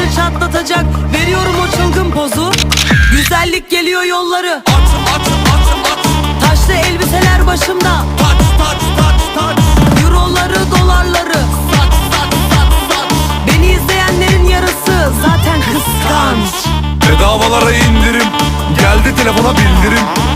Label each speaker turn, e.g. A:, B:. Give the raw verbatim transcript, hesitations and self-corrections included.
A: çatlatacak. Veriyorum o çılgın pozu. Güzellik geliyor yolları.
B: At at at at.
A: Taşlı elbiseler başımda.
B: Taç taç taç taç.
A: Euroları dolarları.
B: Saç saç saç saç.
A: Beni izleyenlerin yarısı zaten kıskanç.
B: Bedavalara indirim. Geldi telefona bildirim.